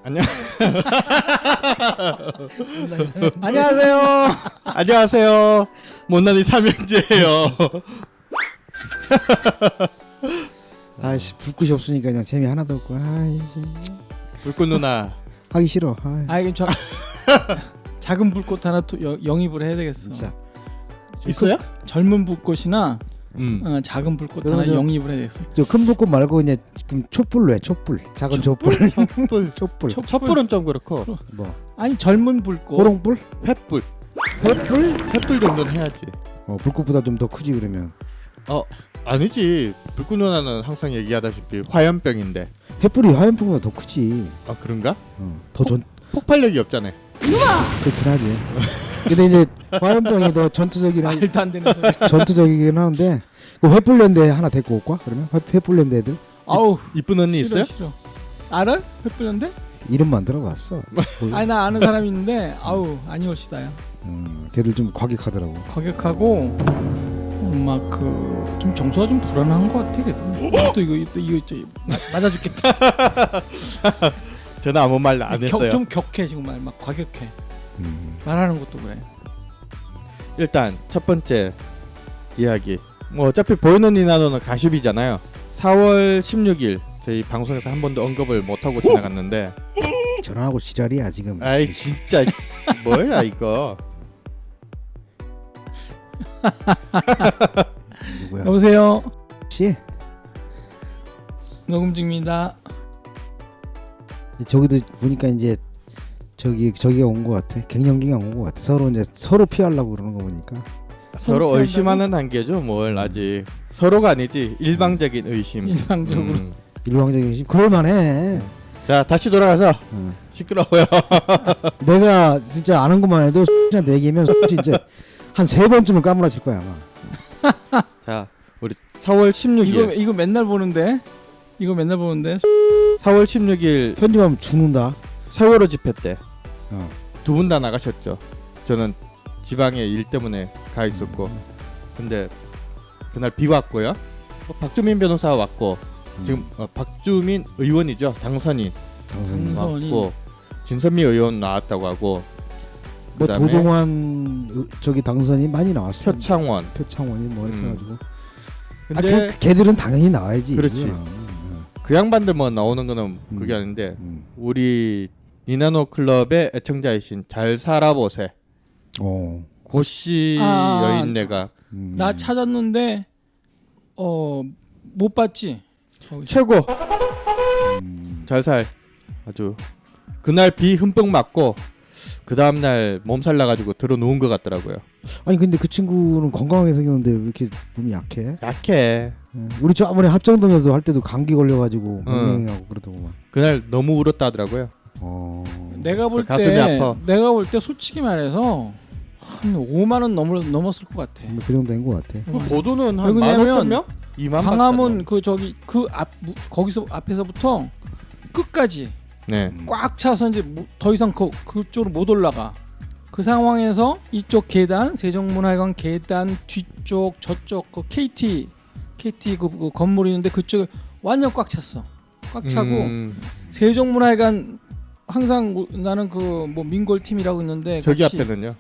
안녕. 안녕하세요. 안녕하세요. 못난이 삼형제예요. 아이씨 불꽃이 없으니까 그냥 재미 하나도 없고 아이씨 불꽃 누나. 하기 싫어. 아이, 아이 저 작은 불꽃 하나 또 영입을 해야 되겠어. 진짜 있어요? 젊은 불꽃이나 작은 불꽃 하나 그러죠. 영입을 해야 되겠어. 저 큰 불꽃 말고 이제 좀 촛불로 해. 촛불 작은 촛불. 촛불. 촛불 촛불은 좀 그렇고 뭐 아니 젊은 불꽃. 호롱불? 횃불. 횃불? 횃불 정도는 해야지. 불꽃보다 좀 더 크지 그러면. 아니지. 불꽃 누나는 항상 얘기하다시피 화염병인데. 횃불이 화염병보다 더 크지. 아 그런가? 더전 폭발력이 없잖아요. 그렇긴 하지. 근데 이제 화염병이 더 전투적이긴 말도 안 되는 소리. 전투적이긴 하는데 그 횃불랜드 하나 데리고 올까? 그러면 횃불랜드 애들 아우 이쁜 언니 싫어, 있어요? 싫어. 알아? 횃불인데? 이름만 들어봤어. 아니 나 아는 사람이 있는데 아우 아니올시다요. 걔들 좀 과격하더라고. 과격하고 막 그 좀 정서가 좀 불안한 것 같아. 걔들. 또 이거 맞아 죽겠다. 저는 아무 말 안 했어요. 좀 격해 정말 막 과격해. 말하는 것도 그래. 일단 첫 번째 이야기. 뭐 어차피 보이는 니나노는 가십이잖아요. 4월 16일 저희 방송에서 한 번도 언급을 못 하고 지나갔는데. 전화하고 지랄이야 지금. 아이 진짜 뭐야 이거. 누구야? 여보세요. 씨? 녹음 중입니다. 저기도 보니까 이제 저기가 온 것 같아. 갱년기가 온 것 같아. 서로 피하려고 그러는 거 보니까. 서로 의심하는 단계죠. 뭘 아직 서로가 아니지 일방적인 의심. 일방적으로. 일방적인 심. 그럴만해. 자 다시 돌아가서 시끄러워요. 내가 진짜 아는 것만 해도 X한테 얘기하면 진짜 한 3번쯤은 까무라칠 거야 아마. 자 우리 4월 16일 이거 맨날 보는데. 이거 맨날 보는데. 4월 16일 편집하면 죽는다. 세월호 집회 때 두 어. 분 다 나가셨죠. 저는 지방에 일 때문에 가 있었고 근데 그날 비가 왔고요. 박주민 변호사 왔고 지금 박주민 의원이죠. 당선인 왔고 진선미 의원 나왔다고 하고 뭐 그다음에 도종환 저기 당선이 많이 나왔어. 표창원이 뭐 이렇게 해가지고. 근데 걔들은 당연히 나와야지. 그렇지. 그거는. 그 양반들 뭐 나오는 거는 그게 아닌데 우리 니나노 클럽의 애청자이신 잘 살아보세 고씨 여인네가 나 찾았는데 못 봤지. 최고 잘살 아주 그날 비 흠뻑 맞고 그 다음날 몸살 나가지고 들어 누운 것 같더라고요. 아니 근데 그 친구는 건강하게 생겼는데 왜 이렇게 몸이 약해? 약해. 우리 저번에 합정동에서 할 때도 감기 걸려가지고 맹맹하고 그러더구만. 그날 너무 울었다 하더라고요. 내가 볼 가슴이 아파. 내가 볼 때 솔직히 말해서 한 5만 원 넘었을 것 같아. 그 정도 된 것 같아. 그 보도는 한 왜냐면 15,000명? 2만 광화문 그 저기 그 앞 거기서 앞에서부터 끝까지 네. 꽉 차서 이제 더 이상 그쪽으로 못 올라가. 그 상황에서 이쪽 계단 세종문화회관 계단 뒤쪽 저쪽 그 KT 그 건물이 있는데 그쪽에 완전 꽉 찼어. 꽉 차고 세종문화회관 항상 나는 그 뭐 민골 팀이라고 있는데 저기 앞에는요.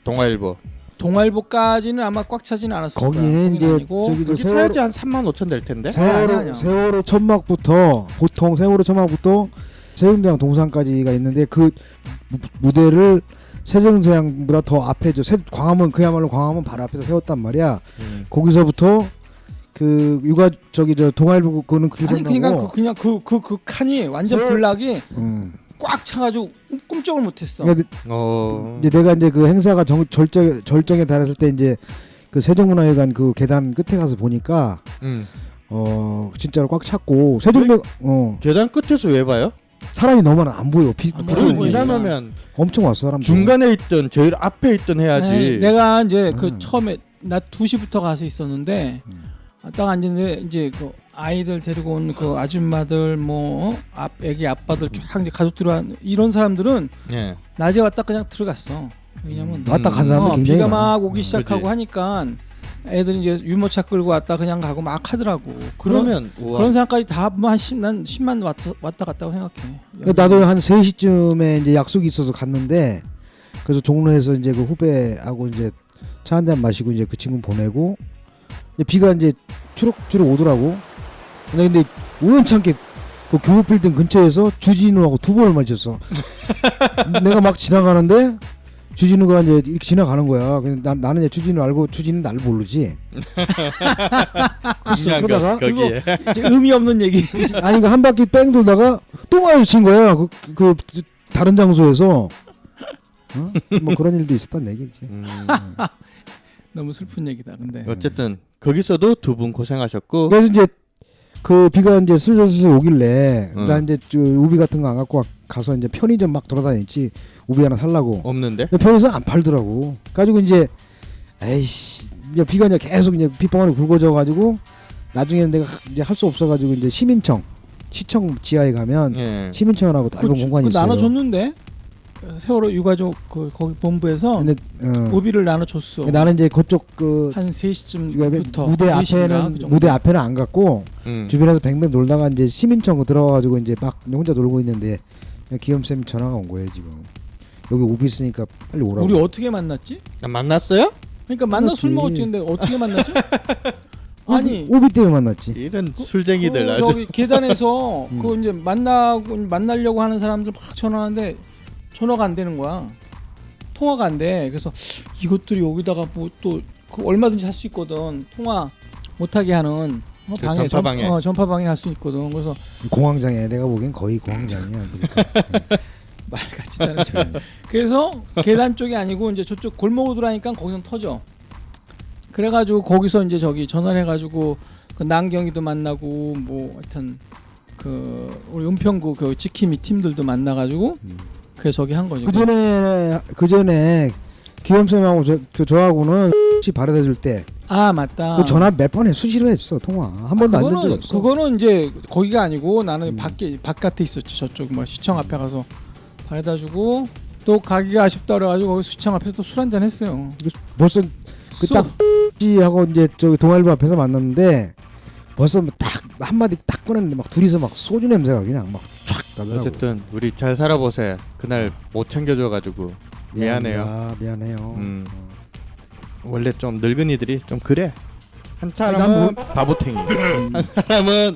동아일보까지는 아마 꽉 차지는 않았을 거야. 거기에 이제 저기도 여기 타야지 한 35,000 될 텐데. 아니야. 세월호 천막부터 보통 세월호 천막부터 세종대왕 동상까지가 있는데 그 무대를 세종대왕보다 더 앞에 광화문 그야말로 광화문 바로 앞에서 세웠단 말이야. 거기서부터 그 육아 저기 저 동아일보 그거는 아니 그냥 그 칸이 완전 블락이 꽉 차가지고 꿈쩍을 못했어. 그러니까 이제 내가 이제 그 행사가 절정에 달했을 때 이제 그 세종문화회관 그 계단 끝에 가서 보니까 진짜로 꽉 찼고 계단 끝에서 왜 봐요? 사람이 너무 많아 안 보여. 보통 이나면 엄청 왔어 사람들. 중간에 있던 제일 앞에 있던 해야지. 네, 내가 이제 그 처음에 나 2시부터 가서 있었는데 딱 앉았는데 이제 그 아이들 데리고 온 그 아줌마들 뭐 애기 아빠들 쫙 이제 가족들이 이런 사람들은 낮에 왔다 그냥 들어갔어. 왜냐면 왔다 간 사람은 굉장히 비가 많아. 막 오기 시작하고 그치. 하니까 애들이 이제 유모차 끌고 왔다 그냥 가고 막 하더라고. 그러면 우와. 그런 사람까지 다 뭐 한 10만 왔다 갔다고 생각해. 나도 한 3시쯤에 이제 약속이 있어서 갔는데 그래서 종로에서 이제 그 후배하고 이제 차 한 잔 마시고 이제 그 친구 보내고 이제 비가 이제 추럭추럭 오더라고. 근데 우연찮게 그 교육 빌딩 근처에서 주진우하고 두 번을 마주쳤어. 내가 막 지나가는데 주진우가 이제 이렇게 지나가는 거야. 근데 나는 이제 주진우 알고 주진우 나를 모르지. 중요한 거, 그러다가 거기에. 이제 의미 없는 얘기. 아니 그 한 바퀴 뺑 돌다가 또 마주친 거야. 그 다른 장소에서. 어? 뭐 그런 일도 있었단 얘기지. 너무 슬픈 얘기다. 근데 어쨌든 거기서도 두 분 고생하셨고. 그래서 이제 그 비가 이제 슬슬 오길래 나 이제 저 우비 같은 거 안 갖고 가서 이제 편의점 막 돌아다녔지. 우비 하나 살라고. 없는데? 편의점 안 팔더라고. 가지고 이제 에이씨 이제 비가 이제 계속 이제 빗방울이 굵어져 가지고 나중에는 내가 이제 할 수 없어 가지고 이제 시청 지하에 가면 예. 시민청하고 넓은 공간이 있어요. 나눠줬는데 세월호 유가족 그 거기 본부에서 근데 우비를 나눠줬어. 나는 이제 그쪽 그 한 3시쯤부터 무대 앞에는 안 갔고 음. 주변에서 뱅뱅 놀다가 이제 시민청 들어가가지고 이제 막 혼자 놀고 있는데 기욤 쌤 전화가 온 거예요 지금. 여기 우비 있으니까 빨리 오라고. 우리 어떻게 만났지? 아, 만났어요? 그러니까 만나 술 만났지. 먹었지. 근데 어떻게 만났지? 아니 우비 때문에 만났지. 이런 술쟁이들 아주. 저기 계단에서 그 이제 만나려고 하는 사람들 막 전화하는데 전화가 안 되는 거야. 통화가 안 돼. 그래서 이것들이 여기다가 뭐 또 그 얼마든지 할 수 있거든. 통화 못하게 하는 그 전파방해. 전파방해 할 수 있거든. 그래서 공황장애 내가 보기엔 거의 공황장애야. 말 같지도 않은 그래서 계단 쪽이 아니고 이제 저쪽 골목으로 들어가니까 거기서 터져. 그래가지고 거기서 이제 저기 전화를 해가지고 그 남경이도 만나고 뭐 하여튼 그 우리 은평구 그 지킴이 팀들도 만나가지고 그래서 저기 한 거죠. 그 전에 기욤 쌤하고 저하고는 발에다 줄 때 아 맞다. 그 전화 몇 번 수시로 했어 통화 한 번도 안 된 적 없어. 그거는 이제 거기가 아니고 나는 바깥에 있었지. 저쪽 뭐 시청 앞에 가서 발에다 주고 또 가기가 아쉽다 그래가지고 거기 시청 앞에서 또 술 한잔 했어요. 벌써 그딱 하고 이제 저기 동아일보 앞에서 만났는데 벌써 딱 한마디 딱 꺼냈는데 막 둘이서 막 소주 냄새가 그냥 막 촥 나더라고. 어쨌든 우리 잘 살아보세. 그날 못 챙겨줘가지고 미안해요. 미안해요. 원래 좀 늙은이들이 좀 그래. 한 사람은 바보탱이. 한 사람은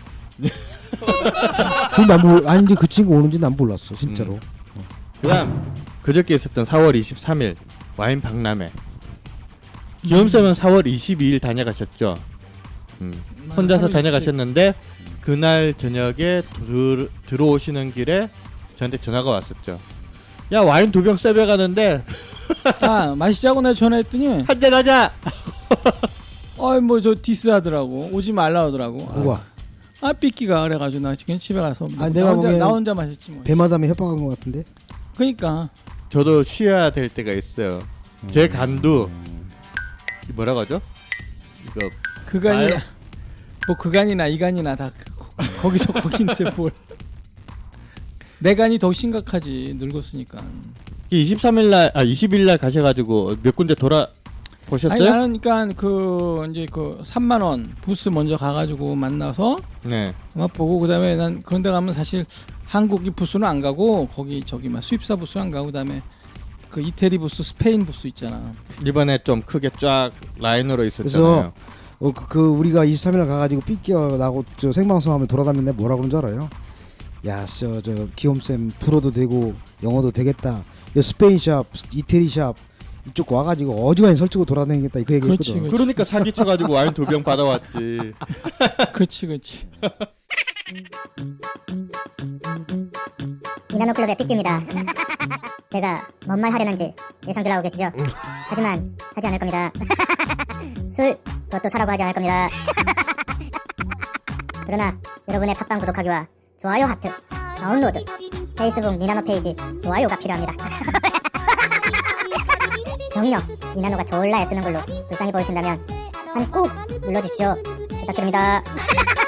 아니 그 친구 오는지 난 몰랐어 진짜로. 그다음 그저께 있었던 4월 23일 와인 박람회. 기욤쌤은 4월 22일 다녀가셨죠. 혼자서 다녀가셨는데 그날 저녁에 들어오시는 길에 저한테 전화가 왔었죠. 야 와인 2병 세배 가는데 아 마시자고 내가 전화했더니 한잔 하자. 어이 뭐 저 디스하더라고. 오지 말라 하더라고. 누가? 아 삐끼가 그래가지고 나 지금 집에 가서 뭐 내가 나 혼자 마셨지 뭐. 배마담에 협박한 것 같은데. 그러니까 저도 쉬어야 될 때가 있어요. 제 간도 뭐라고 하죠? 이거 그간이나 뭐 그간이나 이간이나 다 거기서 거긴데 뭘. 내 간이 더 심각하지 늙었으니까. 20일 날 가셔가지고 몇 군데 돌아 보셨어요? 아니 나는 그러니까 그 이제 그 3만 원 부스 먼저 가가지고 만나서 네. 음악 보고 그다음에 난 그런데 가면 사실 한국이 부스는 안 가고 거기 저기 막 수입사 부스 안 가고 그다음에 그 이태리 부스, 스페인 부스 있잖아. 이번에 좀 크게 쫙 라인으로 있었잖아요. 그래서 그 우리가 23일 가가지고 삐끼어 나고 저 생방송하면 돌아다니는데 뭐라 그런 줄 알아요? 야, 저 기욤 쌤 프로도 되고 영어도 되겠다. 스페인 샵, 이태리 샵 이쪽 와가지고 어지간히 설치고 돌아다니겠다 그 얘기했거든. 그렇지. 그러니까 사기쳐가지고 와인 2병 받아왔지. 그렇지. 이나노클럽의 삐끼입니다. 제가 뭔 말 하려는지 예상들 하고 계시죠? 하지만 하지 않을 겁니다. 술 그것도 사라고 하지 않을 겁니다. 그러나 여러분의 팟빵 구독하기와 좋아요 하트, 다운로드, 페이스북 니나노 페이지 좋아요가 필요합니다. 정녕 니나노가 졸라 애쓰는 걸로 불쌍히 보이신다면 한 꾹 눌러주십시오. 부탁드립니다.